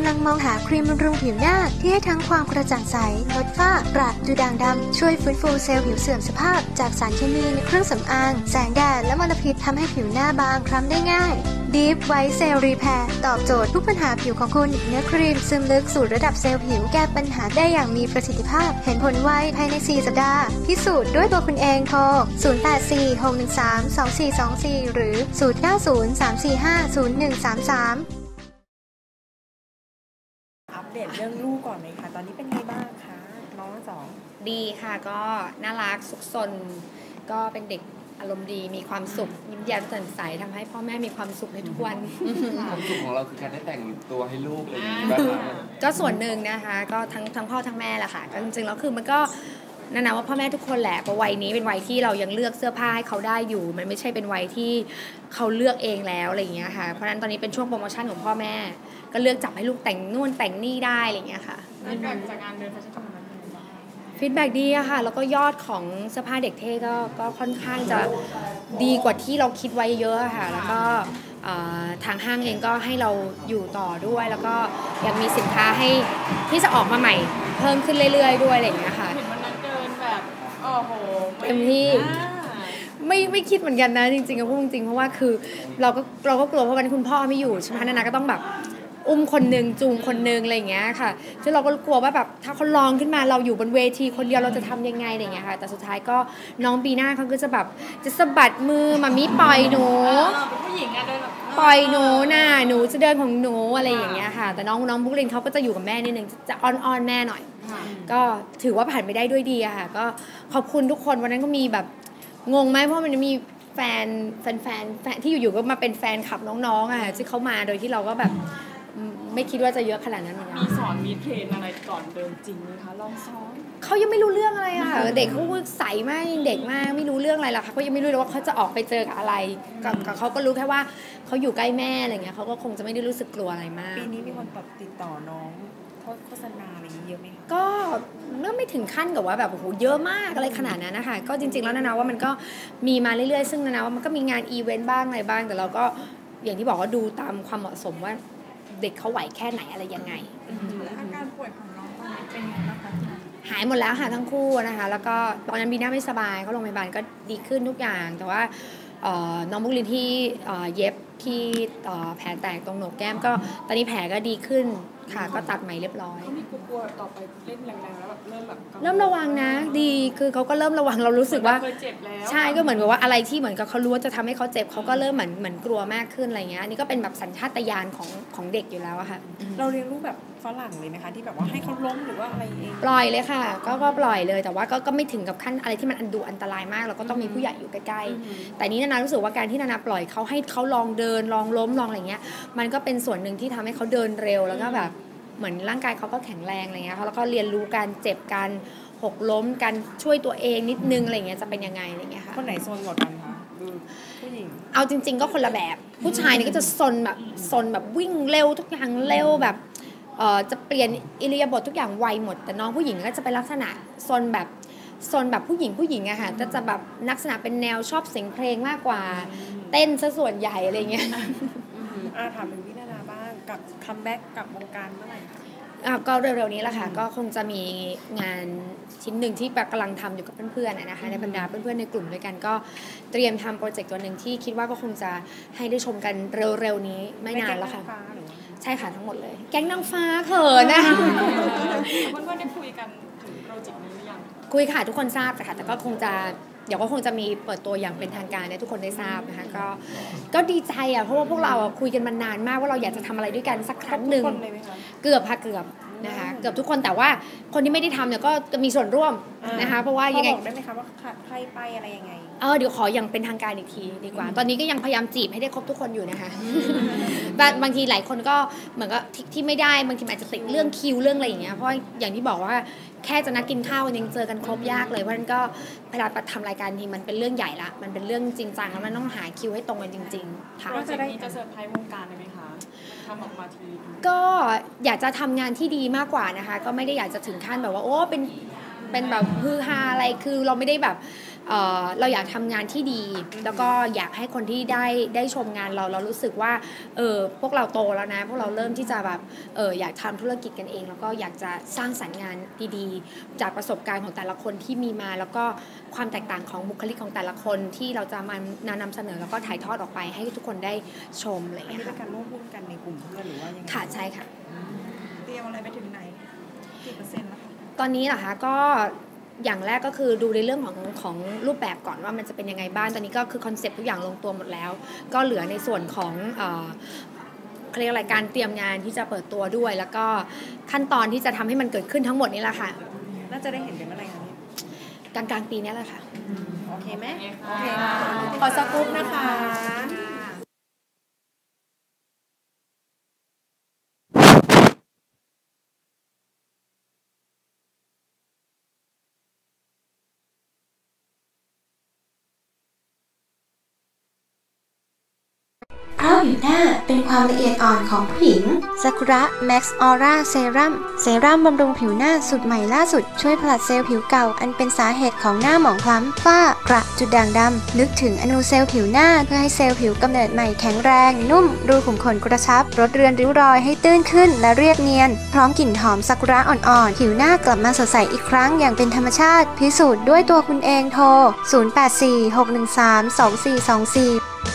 ำลังมองหาครีมบำรุงผิวหน้าที่ให้ทั้งความกระจ่างใสลดฝ้ากระดูด่างดำช่วยฟื้นฟูเซลล์ผิวเสื่อมสภาพจากสารเคมีในเครื่องสำอางแสงแดดและมลพิษทำให้ผิวหน้าบางคล้ำได้ง่าย Deep White Cell Repair ตอบโจทย์ทุกปัญหาผิวของคุณเนื้อครีมซึมลึกสู่ระดับเซลล์ผิวแก้ปัญหาได้อย่างมีประสิทธิภาพเห็นผลไวภายใน4สัปดาห์พิสูจน์ด้วยตัวคุณเองโทร0846132424หรือ0903450133 อัปเดตเรื่องลูกก่อนไหมคะตอนนี้เป็นไงบ้างคะน้องสองดีค่ะก็น่ารักสุขสนก็เป็นเด็กอารมณ์ดีมีความสุขยิ้มแย้มแจ่มใสทำให้พ่อแม่มีความสุขในทุกวันความสุขของเราคือการได้แต่งตัวให้ลูกอะไรอย่างนี้บ้างก็ส่วนหนึ่งนะคะก็ทั้งพ่อทั้งแม่แหละค่ะก็จริงๆแล้วคือมันก็นะว่าพ่อแม่ทุกคนแหละเพราะวัยนี้เป็นวัยที่เรายังเลือกเสื้อผ้าให้เขาได้อยู่มันไม่ใช่เป็นวัยที่เขาเลือกเองแล้วอะไรอย่างเงี้ยค่ะเพราะฉะนั้นตอนนี้เป็นช่วงโปรโมชั่นของพ่อแม่ก็เลือกจับให้ลูกแต่งนู่นแต่งนี่ได้อะไรอย่างเงี้ยค่ะจากงานเดินแฟชั่นของมันฟีดแบ็กดีอะค่ะแล้วก็ยอดของเสื้อผ้าเด็กเท่ก็ค่อนข้างจะดีกว่าที่เราคิดไว้เยอะค่ะแล้วก็ทางห้างเองก็ให้เราอยู่ต่อด้วยแล้วก็ยังมีสินค้าให้ที่จะออกมาใหม่เพิ่มขึ้นเรื่อยๆด้วยอะไรอย่างเงี้ยค่ะเห็นวันนั้นเดินแบบโอ้โหเต็มที่ไม่คิดเหมือนกันนะจริงๆก็พูดจริงๆเพราะว่าคือเราก็กลัวเพราะวันคุณพ่อไม่อยู่ใช่ไหมนานาก็ต้องแบบอุ้มคนนึงจูงคนนึงอะไรอย่างเงี้ยค่ะซึ่งเราก็กลัวว่าแบบถ้าเขาร้องขึ้นมาเราอยู่บนเวทีคนเดียวเราจะทำยังไงอะไรอย่างเงี้ยค่ะแต่สุดท้ายก็น้องบีน่าเขาก็จะแบบจะสะบัดมือมามิปล่อยหนูเป็นผู้หญิงอะเดินปล่อยหนูน่ะหนูจะเดินของหนูอะไรอย่างเงี้ยค่ะแต่น้องบุ๊กลินเขาก็จะอยู่กับแม่นิดนึงจะอ้อนแม่หน่อยก็ถือว่าผ่านไปได้ด้วยดีอะค่ะก็ขอบคุณทุกคนวันนั้นก็มีแบบงงไหมเพราะมันมีแฟนที่อยู่ๆก็มาเป็นแฟนคลับน้องๆอะที่เขามาโดยที่เราก็แบบไม่คิดว่าจะเยอะขนาดนั้นมีสอนมีเทรนอะไรก่อนเดินจริงไหมคะลองซ้อมเขายังไม่รู้เรื่องอะไรอะเด็กเขาใสมากเด็กมากไม่รู้เรื่องอะไรหรอกเขายังไม่รู้เลยว่าเขาจะออกไปเจอกับอะไรกับเขาก็รู้แค่ว่าเขาอยู่ใกล้แม่อะไรเงี้ยเขาก็คงจะไม่ได้รู้สึกกลัวอะไรมากปีนี้มีคนติดต่อน้องโฆษณาอะไรเยอะไหมคะก็ไม่ถึงขั้นกับว่าแบบโอ้โหเยอะมากอะไรขนาดนั้นนะคะก็จริงๆแล้วนะว่ามันก็มีมาเรื่อยๆซึ่งนะว่ามันก็มีงานอีเวนต์บ้างอะไรบ้างแต่เราก็อย่างที่บอกว่าดูตามความเหมาะสมว่าเด็กเขาไหวแค่ไหนอะไรยังไงอาการป่วยของน้องตอนนี้เป็นยังไงบ้างคะหายหมดแล้วค่ะทั้งคู่นะคะแล้วก็ตอนนั้นบีน่าไม่สบายเขาโรงพยาบาลก็ดีขึ้นทุกอย่างแต่ว่าน้องบุกลินที่เย็บที่แผลแตกตรงโหนกแก้มก็ตอนนี้แผลก็ดีขึ้นค่ะก็ตัดใหม่เรียบร้อยเขามีกลัวต่อไปเล่นแรงๆแล้วแบบเริ่มระวังนะดีคือเขาก็เริ่มระวังเรารู้สึกว่าใช่ก็เหมือนกับว่าอะไรที่เหมือนกับเขารู้ว่าจะทำให้เขาเจ็บเขาก็เริ่มเหมือนกลัวมากขึ้นอะไรเงี้ยนี่ก็เป็นแบบสัญชาตญาณของเด็กอยู่แล้วอะค่ะเราเลี้ยงลูกแบบฝรั่งเลยไหมคะที่แบบว่าให้เขาล้มหรือว่าอะไรเองปล่อยเลยค่ะก็ปล่อยเลยแต่ว่าก็ไม่ถึงกับขั้นอะไรที่มันอันตรายมากเราก็ต้องมีผู้ใหญ่อยู่ใกล้ๆแต่นี้นานารู้สึกว่าการที่นานาปล่อยเขาให้เขาลองเดินลองล้มลองอะไรเงี้ยมันก็เป็นส่วนหนึ่งที่ทำให้เขาเดินเร็วแล้วก็แบบเหมือนร่างกายเขาก็แข็งแรงอะไรเงี้ยแล้วก็เรียนรู้การเจ็บการหกล้มการช่วยตัวเองนิดนึงอะไรเงี้ยจะเป็นยังไงอะไรเงี้ยค่ะคนไหนโซนกว่ากันคะผู้หญิงเอาจริงๆก็คนละแบบผู้ชายนี่ก็จะซนแบบวิ่งเร็วทุกอย่างเร็วแบบจะเปลี่ยนอิริยาบถทุกอย่างไวหมดแต่น้องผู้หญิงก็จะเป็นลักษณะซนแบบผู้หญิงอะค่ะจะแบบลักษณะเป็นแนวชอบเสียงเพลงมากกว่าเต้นซะส่วนใหญ่อะไรเงี้ยถามถึงพี่นานาบ้างกับคัมแบ็กกับวงการเมื่อไหร่คะก็เร็วๆนี้แหละค่ะก็คงจะมีงานชิ้นหนึ่งที่กำลังทำอยู่กับเพื่อนๆนะคะในบรรดาเพื่อนๆในกลุ่มด้วยกันก็เตรียมทำโปรเจกต์ตัวหนึ่งที่คิดว่าก็คงจะให้ได้ชมกันเร็วๆนี้ไม่นานแล้วค่ะใช่ค่ะทั้งหมดเลยแก๊งนางฟ้าเขินนะเพื่อนๆได้คุยกันถึงโปรเจกต์นี้หรือยังคุยค่ะทุกคนทราบค่ะแต่ก็คงจะเดี๋ยวก็คงจะมีเปิดตัวอย่างเป็นทางการให้ทุกคนได้ทราบนะคะก็ดีใจอ่ะเพราะว่าพวกเราคุยกันมานานมากว่าเราอยากจะทำอะไรด้วยกันสักครั้งหนึ่งเกือบนะคะเกือบทุกคนแต่ว่าคนที่ไม่ได้ทำเนี่ยก็จะมีส่วนร่วมนะคะเพราะว่ายังไงบอกได้ไหมคะว่าใครไปอะไรยังไงเดี๋ยวขออย่างเป็นทางการอีกทีดีกว่าตอนนี้ก็ยังพยายามจีบให้ได้ครบทุกคนอยู่นะคะบางทีหลายคนก็เหมือนก็ที่ไม่ได้บางทีอาจจะติดเรื่องคิวเรื่องอะไรอย่างเงี้ยเพราะอย่างที่บอกว่าแค่จะนัดกินข้าวกันยังเจอกันครบยากเลยเพราะฉะนั้นก็เวลาทำรายการทีมันเป็นเรื่องใหญ่ละมันเป็นเรื่องจริงจังแล้วมันต้องหาคิวให้ตรงกันจริงๆค่ะว่าจะได้จะเซอร์ไพรส์วงการเลยไหมคะทำออกมาทีก็อยากจะทำงานที่ดีมากกว่านะคะก็ไม่ได้อยากจะถึงขั้นแบบว่าโอ้เป็นแบบฮือฮาอะไรคือเราไม่ได้แบบเราอยากทำงานที่ดีแล้วก็อยากให้คนที่ได้ชมงานเรารู้สึกว่าพวกเราโตแล้วนะพวกเราเริ่มที่จะแบบอยากทำธุรกิจกันเองแล้วก็อยากจะสร้างสรรค์งานดีๆจากประสบการณ์ของแต่ละคนที่มีมาแล้วก็ความแตกต่างของบุคลิกของแต่ละคนที่เราจะมานำเสนอแล้วก็ถ่ายทอดออกไปให้ทุกคนได้ชมอะไรอย่างอันเงี้นี้ยเป็นค่ะการร่วมหุ้นกันในกลุ่มเพื่อนหรือว่ายังไงค่ะใช่ค่ะเตรียมอะไรไปถึงไหนกี่เปอร์เซ็นต์แล้วคะตอนนี้เหรอคะก็อย่างแรกก็คือดูในเรื่องของรูปแบบก่อนว่ามันจะเป็นยังไงบ้างตอนนี้ก็คือคอนเซ็ปต์ทุกอย่างลงตัวหมดแล้วก็เหลือในส่วนของเขาเรียกอะไรการเตรียมงานที่จะเปิดตัวด้วยแล้วก็ขั้นตอนที่จะทำให้มันเกิดขึ้นทั้งหมดนี่แหละค่ะน่าจะได้เห็นกันเมื่อไหร่คะเนี่ยกลางๆปีนี้แหละค่ะโอเคไหมโอเคค่ะขอสกู๊ปนะคะเพราะผิวหน้าเป็นความละเอียดอ่อนของผู้หญิงซากุระแม็กซ์ออร่าเซรั่มบำรุงผิวหน้าสูตรใหม่ล่าสุดช่วยผลัดเซลล์ผิวเก่าอันเป็นสาเหตุของหน้าหมองคล้ำฝ้ากระจุดด่างดำลึกถึงอนูเซลล์ผิวหน้าเพื่อให้เซลล์ผิวกำเนิดใหม่แข็งแรงนุ่มรูขุมขนกระชับลดเรือนริ้วรอยให้ตื้นขึ้นและเรียบเนียนพร้อมกลิ่นหอมซากุระอ่อนๆผิวหน้ากลับมาสดใสอีกครั้งอย่างเป็นธรรมชาติพิสูจน์ด้วยตัวคุณเองโทร 0846132424